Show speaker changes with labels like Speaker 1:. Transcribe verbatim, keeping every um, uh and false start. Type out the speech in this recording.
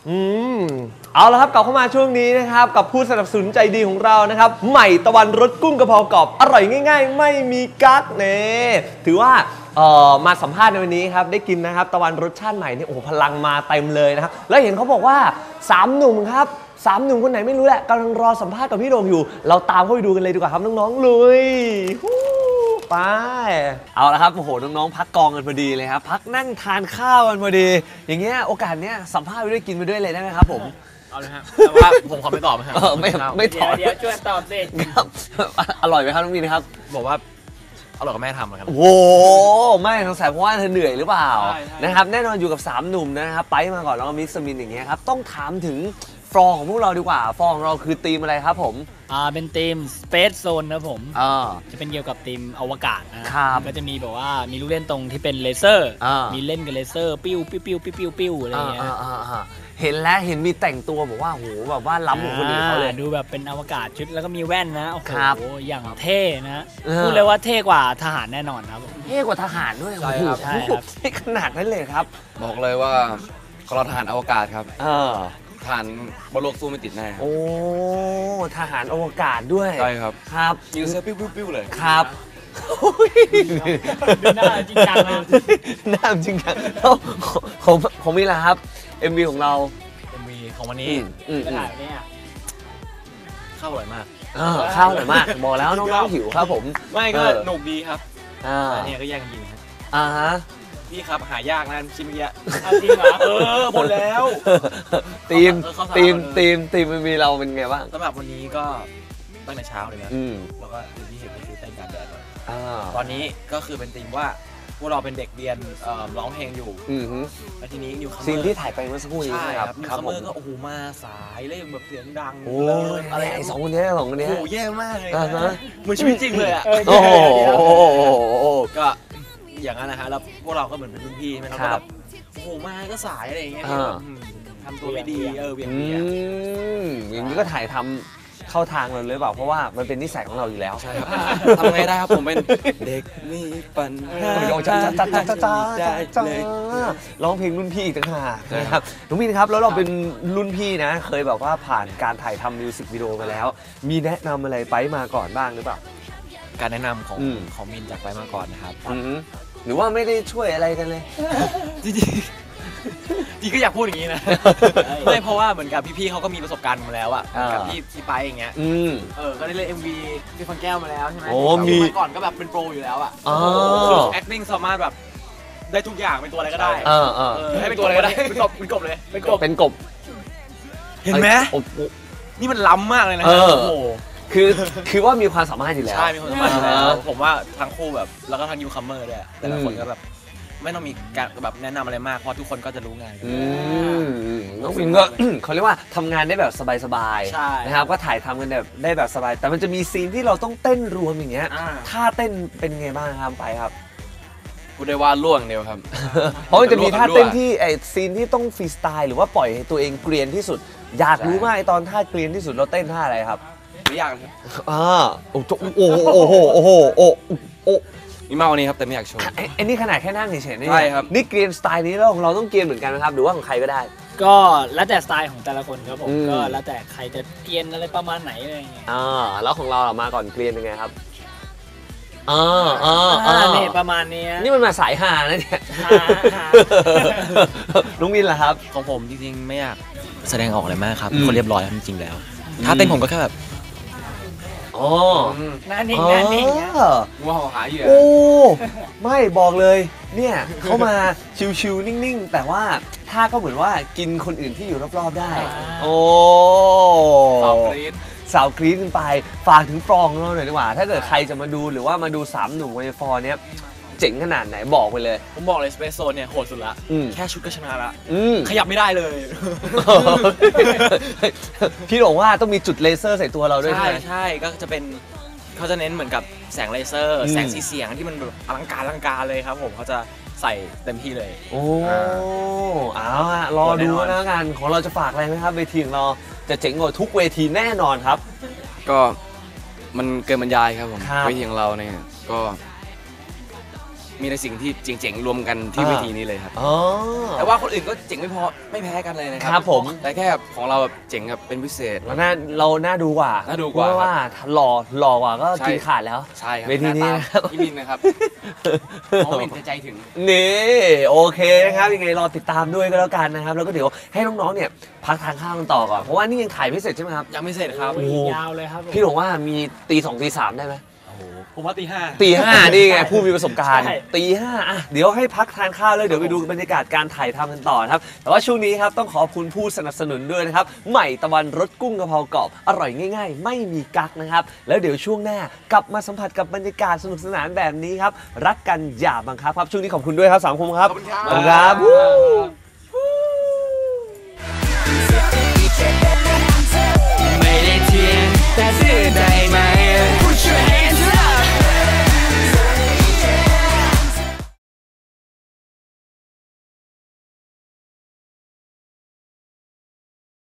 Speaker 1: อืมเอาละครับกลับเข้ามาช่วงนี้นะครับกับผู้สนับสนุนใจดีของเรานะครับใหม่ตะวันรสกุ้งกระเพรากรอบอร่อยง่ายๆไม่มีกั๊กเน่ถือว่าเอ่อมาสัมภาษณ์ในวันนี้ครับได้กินนะครับตะวันรสชาติใหม่นี่โอ้โหพลังมาเต็มเลยนะครับแล้วเห็นเขาบอกว่าสามหนุ่มครับสามหนุ่มคนไหนไม่รู้แหละกำลังรอสัมภาษณ์กับพี่โด่งอยู่เราตามเข้าไปดูกันเลยดีกว่าครับน้องๆลุยไปเอาละครับโอ้โหน้องๆพักกองกันพอดีเลยครับพักนั่งทานข้าวกันพอดีอย่างเงี้ยโอกาสเนี้ยสัมภาษณ์ไปด้วยกินไปด้วยเลยได้ไหมครับผม
Speaker 2: เอาเลยครับแต่ว่าผมขอไม่ตอบนะครับ
Speaker 1: ไม่ไม่ตอบ
Speaker 3: เดี๋ยวช่วยตอบสิ
Speaker 1: ครับอร่อยไหมครับน้องมีนะครับ
Speaker 2: บอกว่าอร่อยกับแม่ทำนะครับ
Speaker 1: โอ้ไม่สงสัยเพราะว่าเธอเหนื่อยหรือเปล่านะครับแน่นอนอยู่กับสามหนุ่มนะครับไปมาก่อนแล้วก็มิกซ์มินอย่างเงี้ยครับต้องถามถึงฟอร์ของพวกเราดีกว่าฟอร์ของเราคือธีมอะไรครับผม
Speaker 3: อ่าเป็นธีม Space Zone นะผม
Speaker 1: อ่า
Speaker 3: จะเป็นเกี่ยวกับธีมอวกาศนะครับก็จะมีแบบว่ามีลูกเล่นตรงที่เป็นเลเซอร์มีเล่นกับเลเซอร์ปิ้วปิ้วปิ้วปิ้วปิ้วปิ้วอะไรอย่างเงี้ย
Speaker 1: เห็นแล้วเห็นมีแต่งตัวบอกว่าโหแบบว่าล้ำกว่าคนอื่นเขาเลย
Speaker 3: ดูแบบเป็นอวกาศชุดแล้วก็มีแว่นนะโอ้โหอย่างเท่นะพูดเลยว่าเท่กว่าทหารแน่นอนครับ
Speaker 1: เท่กว่าทหารด้วย
Speaker 3: ใช่ครับใช่ครับ
Speaker 1: ขนาดนั้นเลยครับ
Speaker 2: บอกเลยว่าเราทหารอวกาศครับ
Speaker 1: เออ
Speaker 2: ทหารบนโลกสู้ไม่ติดแน่
Speaker 1: โอ้ทหารอวกาศด้วย
Speaker 2: ใช่ครับ
Speaker 1: ครับ
Speaker 2: ยิงเซอร์ปิ้วปิ้วเลย
Speaker 1: ครับ
Speaker 3: ดูหน้าจริงจังนะ
Speaker 1: หน้าจริงจังของของมีอะไรครับ เอ็ม วี ของเรา
Speaker 3: เอ็ม วี ของวันนี้ก็ถ่ายวันนี้
Speaker 2: ข้าวอร่อยมาก
Speaker 1: ข้าวอร่อยมากบอกแล้วน้องๆหิวครับผม
Speaker 2: ไม่ก็หนุกดีครับ
Speaker 1: อ่า
Speaker 2: เนี่ยก็แย่งกินครับ
Speaker 1: อ่าฮะ
Speaker 2: พี่ครับหายากนะชิมเยอะ
Speaker 3: จริงเหรอ
Speaker 2: เออหมดแล้ว
Speaker 1: ทีมทีมทีมทีมมันมีเราเป็นไงบ้าง
Speaker 2: สำหรับวันนี้ก็ตั้งแต่เช้าเลยนะแล้วก็ที่เห็นคือเต้นการแดดตอนนี้ก็คือเป็นทีมว่าพวกเราเป็นเด็กเรียนร้องเพลงอยู่แล้วทีนี้นิวคัมเมอร์
Speaker 1: ซีนที่ถ่ายไปเมื่อสักครู่นี้
Speaker 2: ใช่ครับนิวคัมเมอร์ก็โอ้โหมาสายเล่นแบบเสียงดัง
Speaker 1: โอ้ยอะไรไอ้สองคนนี้สองคนนี้
Speaker 2: โอ้โหแย่มากเลยเหมือนชีวิตจริงเลยอ่ะ
Speaker 1: โอ้โห
Speaker 2: ก็อย่างนั้นนะฮะแล้วพวกเราก็เหมือนเป็นรุ่นพี่ใช่ไหมเราก็แบบโอ้โหมาก็สายอะไรอย่างเงี้ยทำตัวไม่ดีเออเวียงเวียง
Speaker 1: อย่างนี้ก็ถ่ายทำเข้าทางเราเลยเปล่าเพราะว่ามันเป็นนิสัยของเราอยู่แล้ว
Speaker 2: ใช่ครับทำไงได้ครับผมเป็นเด็กมีปัญหา
Speaker 1: จ้าจ้าจ้าจ้าจ้าจ้าร้องเพลงรุ่นพี่อีกต่างหากนะครับน้องมินครับแล้วเราเป็นรุ่นพี่นะเคยแบบว่าผ่านการถ่ายทำมิวสิกวิดีโอมาแล้วมีแนะนำอะไรไปมาก่อนบ้างหรือเปล่า
Speaker 2: การแนะนำของของมินจากไปมาก่อนนะครับ
Speaker 1: หรือว่าไม่ได้ช่วยอะไรกันเลย
Speaker 2: จริงจริงก็อยากพูดอย่างนี้นะไม่เพราะว่าเหมือนกับพี่ๆเขาก็มีประสบการณ์มาแล้วอะกับพี่ที่ไปอย่างเงี้ยเออก็ได้เล่น เอ็ม วี พี่ฟังแก้วมาแล้วใช่ไหม
Speaker 1: โอ้มี
Speaker 2: ก่อนก็แบบเป็นโปรอยู่แล้วอะ acting สามารถแบบได้ทุกอย่างเป็นตัวอะไรก็ได้
Speaker 1: เออเออ
Speaker 2: ให้เป็นตัวอะไรก็ได้เป็นกบเป็นกบเลย
Speaker 1: เป็นกบเป็นกบ
Speaker 2: เห็นไหมนี่มันล้ำมากเลยนะ
Speaker 1: โอ้โหคือคือว่ามีความสามารถอยู่แล้ว
Speaker 2: ใช่มีความสามารถอยู่แล้วผมว่าทั้งคู่แบบแล้วก็ทั้งยูคัมเมอร์ด้วยแต่ละคนก็แบบไม่ต้องมีการแบบแนะนำอะไรมากเพราะทุกคนก็จะรู้งาน
Speaker 1: น้องฟินก็เขาเรียกว่าทำงานได้แบบสบายๆนะครับก็ถ่ายทำกันแบบได้แบบสบายแต่มันจะมีซีนที่เราต้องเต้นรวมอย่างเงี้ยท่าเต้นเป็นไงบ้างครับไปครับ
Speaker 2: กูได้ว่าล่วงเดียวครับ
Speaker 1: เพราะมันจะมีท่าเต้นที่ไอซีนที่ต้องฟรีสไตล์หรือว่าปล่อยให้ตัวเองเกรียนที่สุดอยากรู้มากตอนท่าเกรียนที่สุดเราเต้นท่าอะไรครับ
Speaker 2: ไม่ยากครับ
Speaker 1: อ่าโอ้โหโอ้โหโอ้โหโอ้โอ้
Speaker 2: มีมากกว่านี้ครับแต่ไม่อยากโชว์
Speaker 1: ไอ้นี่ขนาดแค่นั่งเฉยๆนี่
Speaker 2: ใช่ครับ
Speaker 1: นี่เกรียนสไตล์นี้แล้วของเราต้องเกรียนเหมือนกันนะครับหรือว่าของใครก็ได้
Speaker 3: ก็แล้วแต่สไตล์ของแต่ละคนครับผมก็แล้วแต่ใครจะเกรียนอะไรประมาณไหนอะไรอย่างเงี้ย
Speaker 1: อ่าแล้วของเรามาก่อนเกรียนยังไงครับอ่าอ่า
Speaker 3: อ่านี่ประมาณนี้
Speaker 1: นี่มันมาสายฮานะเนี่ยลุงมินล่ะครับ
Speaker 2: ของผมจริงๆไม่อยากแสดงออกอะไรมากครับคนเรียบร้อยจริงๆแล้วถ้าเต้นผมก็แค่แบบ
Speaker 1: อ๋อ
Speaker 3: นั่นเองนั่นเอง
Speaker 2: วัวหอหาเหยื่อ
Speaker 1: โอ้ไม่บอกเลยเนี่ยเขามาชิวๆนิ่งๆแต่ว่าท่าก็เหมือนว่ากินคนอื่นที่อยู่รอบๆได้โอ้
Speaker 2: สาวกรี๊ด
Speaker 1: สาวกรี๊ดขึ้นไปฝากถึงฟองเราหน่อยดีกว่าถ้าเกิดใครจะมาดูหรือว่ามาดูสามหนุ่มในฟอร์เนี้ยเจ๋งขนาดไหนบอกไปเลย
Speaker 2: ผมบอกเลยสเปซโซนเนี่ยโหดสุดละแค่ชุดก็ชนะละขยับไม่ได้เลย
Speaker 1: พี่บอกว่าต้องมีจุดเลเซอร์ใส่ตัวเราด้วย
Speaker 2: ใช่ใช่ก็จะเป็นเขาจะเน้นเหมือนกับแสงเลเซอร์แสงสีเสียงที่มันแบบอลังการอลังการเลยครับผมเขาจะใส่เต็มที่เลย
Speaker 1: โอ้เอาฮะรอดูนะงานของเราจะฝากอะไรไหมครับเวทีของเราจะเจ๋งกว่าทุกเวทีแน่นอนครับ
Speaker 2: ก็มันเกินบรรยายครับผมเวทีของเราเนี่ยก็มีในสิ่งที่เจ๋งๆรวมกันที่เวทีนี้เลยครับ
Speaker 1: อ๋อ
Speaker 2: แต่ว่าคนอื่นก็เจ๋งไม่พอไม่แพ้กันเลยนะครั
Speaker 1: ครับผม
Speaker 2: แต่แค่ของเราแบบเจ๋งแบบเป็นพิเศษ
Speaker 1: เราน่าเราน่าดูกว่า
Speaker 2: น่าดูกว่า
Speaker 1: เพระว่าหล่อหล่อกว่าก็
Speaker 2: ใช่
Speaker 1: กินขาดแล้ว
Speaker 2: ใช่ครับ
Speaker 1: เวทีนี้
Speaker 2: หา
Speaker 1: นะครับ
Speaker 2: ตาพี่มินนะครับมองเห็นแต่ใจถึง
Speaker 1: นี่โอเคนะครับยังไงรอติดตามด้วยก็แล้วกันนะครับแล้วก็เดี๋ยวให้น้องๆเนี่ยพักทานข้าวกันต่อก่อนเพราะว่านี่ยังถ่ายไม่เสร็จใช่ไหมครับ
Speaker 2: ยังไม่เสร็จครับ
Speaker 1: โอ้โห
Speaker 3: ยาวเลยครับผม
Speaker 1: พี่บอกว่ามีตีสองตีสามได้ไหม
Speaker 2: ผมว่าตีห้า
Speaker 1: ตีห้านี่ไงผู้มีประสบการณ์
Speaker 3: ใช่
Speaker 1: ตีห้าอ่ะเดี๋ยวให้พักทานข้าวแล้วเดี๋ยวไปดูบรรยากาศการถ่ายทำกันต่อนะครับแต่ว่าช่วงนี้ครับต้องขอบคุณผู้สนับสนุนด้วยนะครับใหม่ตะวันรสกุ้งกะเพรากรอบอร่อยง่าย ๆ ไม่มีกั๊กนะครับแล้วเดี๋ยวช่วงหน้ากลับมาสัมผัสกับบรรยากาศสนุกสนานแบบนี้ครับรักกันอย่าบังคับครับช่วงนี้ขอบคุณด้วยครับสามคมครับ
Speaker 2: ขอบคุณครับ
Speaker 1: ขอบคุณครับ
Speaker 4: ไม่ได้เทียนแต่ซื่อใจ